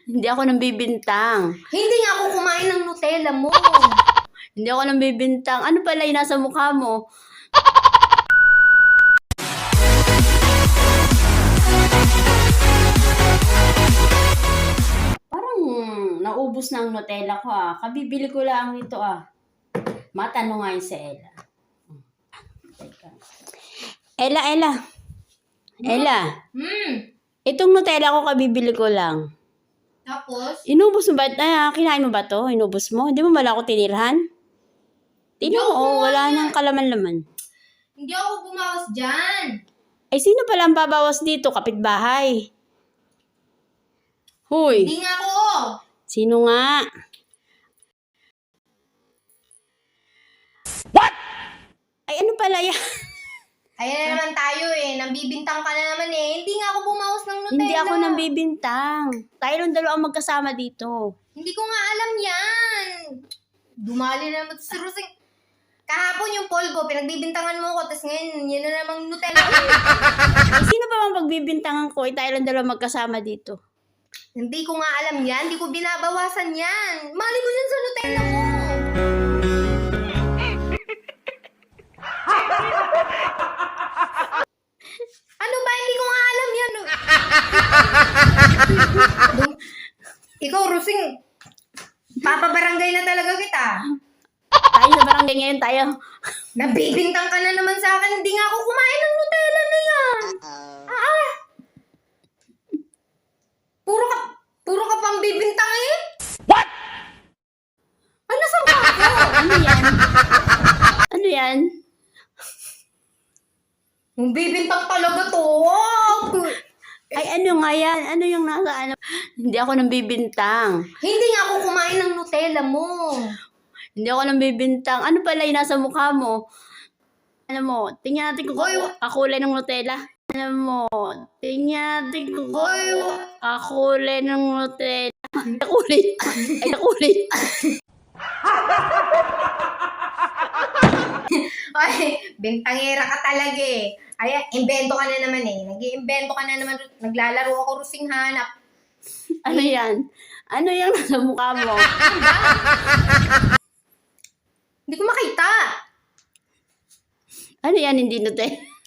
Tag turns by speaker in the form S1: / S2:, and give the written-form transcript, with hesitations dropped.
S1: Hindi ako nambibintang.
S2: Hindi nga ako kumain ng Nutella mo.
S1: Hindi ako nambibintang. Ano pala yung nasa mukha mo? Parang naubos na ang Nutella ko ah. Kabibili ko lang ito ah. Matanong nga yun si Ella. Teka. Ella. Itong Nutella ko kabibili ko lang.
S2: Tapos?
S1: Inubos mo ba? Kinain mo ba to? Inubos mo? Hindi mo bala ako tinirhan? Tingnan mo, wala nang kalaman-laman.
S2: Hindi ako bumawas dyan.
S1: Ay, sino pala ang babawas dito? Kapitbahay. Hoy,
S2: Hindi nga ako.
S1: sino nga? What? Ay, ano pala yan?
S2: Ayan na naman tayo eh. Nambibintang ka na naman eh. Hindi nga ako bumawas ng Nutella.
S1: Hindi ako nambibintang. Tayo lang dalawa magkasama dito.
S2: Hindi ko nga alam yan. Dumali na naman si Rosing. Kahapon yung polvo, pinagbibintangan mo ko, tapos ngayon, yun na namang Nutella.
S1: Ay, sino pa bang pagbibintangan ko? Ay, tayo lang dalawa magkasama dito.
S2: Hindi ko nga alam yan. Hindi ko binabawasan yan. Mali mo yan sa Nutella mo. Ano ba? Hindi ko nga alam yan. Ikaw, Rosing, papabarangay na talaga kita.
S1: Tayo sa barangay ngayon tayo.
S2: Nabibintang ka na naman sa akin. Hindi nga ako kumain ng Nutella na yan. Puro ka pang bibintang eh.
S1: What?
S2: Ano sa mukha ko?
S1: Ano yan? Ano yan?
S2: Ang bibintang talaga to. Wow.
S1: Ay, ano nga yan? Ano yung nasa ano? Hindi ako nambibintang.
S2: Hindi nga ako kumain ng Nutella mo.
S1: Hindi ako nambibintang. Ano pala yung nasa mukha mo? Ano mo? Tingnan natin kung kakulay ng Nutella. Ano mo? Tingnan natin kung kakulay ng Nutella. Kakulay. Ay, kakulay.
S2: Ay, bintangera ka talaga eh. Ay, invento ka na naman eh. Nag-iimbento ka na naman. Naglalaro ako Rosing hanap.
S1: Ano yan? Ano yung nasa mukha mo?
S2: Hindi ko makita.
S1: Ano yan? Hindi Nutella.